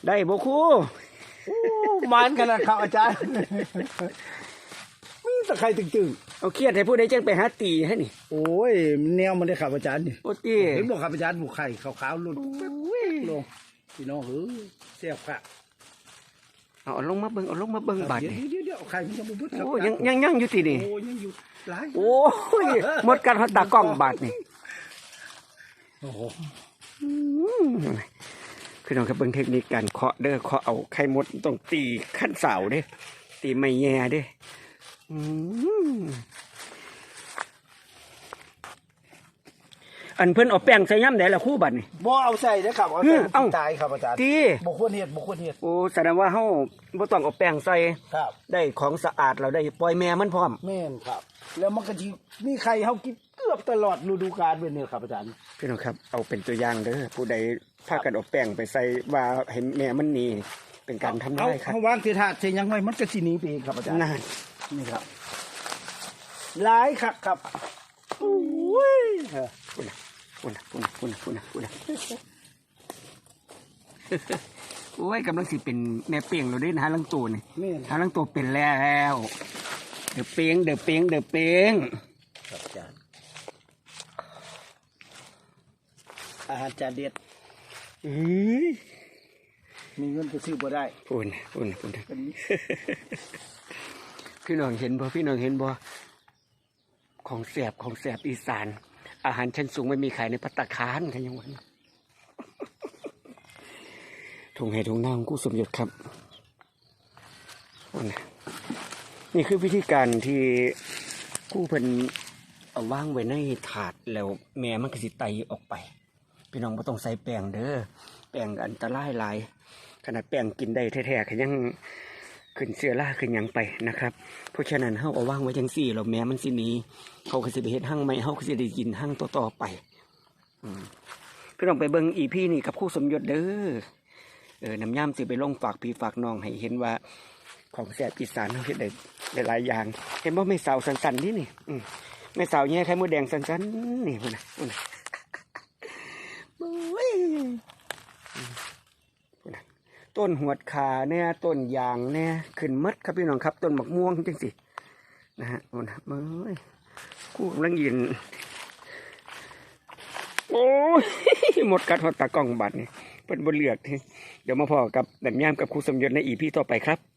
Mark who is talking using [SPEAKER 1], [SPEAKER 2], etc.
[SPEAKER 1] ได้บ่ครู
[SPEAKER 2] มันขนาดครับอาจารย์มีตะไคร้ตึง
[SPEAKER 1] เอาเครียดให้ผู้ใดจังไปหาตีให้นี่
[SPEAKER 2] ๆโอ้ยแนวมันได้ครับอาจารย์นี่
[SPEAKER 1] โอ้ตี
[SPEAKER 2] เห็นบอกครับอาจารย์บุกไข่ขาวๆหลุดลงพี่น้องเสียบค่ะ
[SPEAKER 1] เอาลงมาเบิ่งบาดนี่
[SPEAKER 2] เดี๋ยวไข่มันจะบุบครับ
[SPEAKER 1] โอ้ยังอยู่ที่นี่
[SPEAKER 2] โอ้ยังอยู่หลาย
[SPEAKER 1] โอ้ยหมดกันฮอดตากล้องบาดนี่
[SPEAKER 2] โอ้โห
[SPEAKER 1] พี่น้องครับเบิ่งเทคนิคการเคาะเด้อเคาะเอาไข่มดต้องตีขั้นเสาเด้ตีไม่แย่เด้อันเพิ่นเอาแป้งใส่ย่ำได้ละคู่บัดนี่
[SPEAKER 2] บ่เอาใส่นะครับเอาใส่ตายครับอาจารย์
[SPEAKER 1] ตี
[SPEAKER 2] บ่ควรเฮ็ด
[SPEAKER 1] โอ้แสดงว่าเฮาบ่ต้องเอาแป้งใส่
[SPEAKER 2] ครับ
[SPEAKER 1] ได้ของสะอาดเราได้ปล่อยแม่มันพร้อม
[SPEAKER 2] แม่นครับแล้วมันก็สิมีไข่เฮากินเกือบตลอดฤดูกาลเป็นเนี่ยครับอาจารย์
[SPEAKER 1] พี่น้องครับเอาเป็นตัวอย่างเด้อผู้ใดพากันเอาแป้งไปใส่ว่าเห็นแม่มันหนีเป็นการทำได้ครับ
[SPEAKER 2] เฮาวางเทถาดเทยังไว้มันก็สิหนีไปเองครับอาจารย์
[SPEAKER 1] นั่น
[SPEAKER 2] นี่ครับหลายครับโอ้ย
[SPEAKER 1] คุณโอ้ยกำลังสิเป็นแม่เปียงเราได้นะฮะลังตัวนี่ฮะลังตัวเป็นแล้วเดือเปียง
[SPEAKER 2] ครับอาจารย์อาหารจานเด็ดมีเงินไปซื้อบ่ได้
[SPEAKER 1] ปุ่นพี่น้องเห็นบ่ของแสบอีสานอาหารชั้นสูงไม่มีขายในภัตตาคารกันยังวันถุงให้ถุงน้ำกู้สมยศครับนี่คือวิธีการที่กู้เพิ่นเอาว่างไว้ในถาดแล้วแม่มันก็สิไตออกไปพี่น้องไม่ต้องใส่แป้งเด้อแป้งอันตรายหลายขนาดแป้งกินได้แท้ๆก็ยังขึ้นเสื้อล่าขึ้นยังไปนะครับเพราะฉะนั้นเฮาเอาว่างไว้จังซี่แล้วแม่มันสิหนีเขาก็สิไปเฮ็ดหั่งใหม่เฮาก็สิได้กินหั่งต่อๆไปพี่น้องไปเบิ่งอีพี่นี่กับครูสมยศเด้อน้ำย่ำสิไปลงฝากพี่ฝากน้องให้เห็นว่าของแซ่บอีสานเฮาเฮ็ดได้หลายอย่างเห็นบ่แม่สาวสันๆนี่แม่สาวแย่ไข่มดแดงสันๆนี่พุ่นน่ะต้นหวดขาเนี่ยต้นยางเนี่ยขึ้นมัดครับพี่น้องครับต้นหมกม่วงจังสินะฮะโอ้นะคู่กำลังยืนโอ้ยหมดกัดหอดตากล้องบัดนี่เป็นบนเลือกเดี๋ยวมาพอกับดันย่ามกับครูสมยศในอีพีต่อไปครับ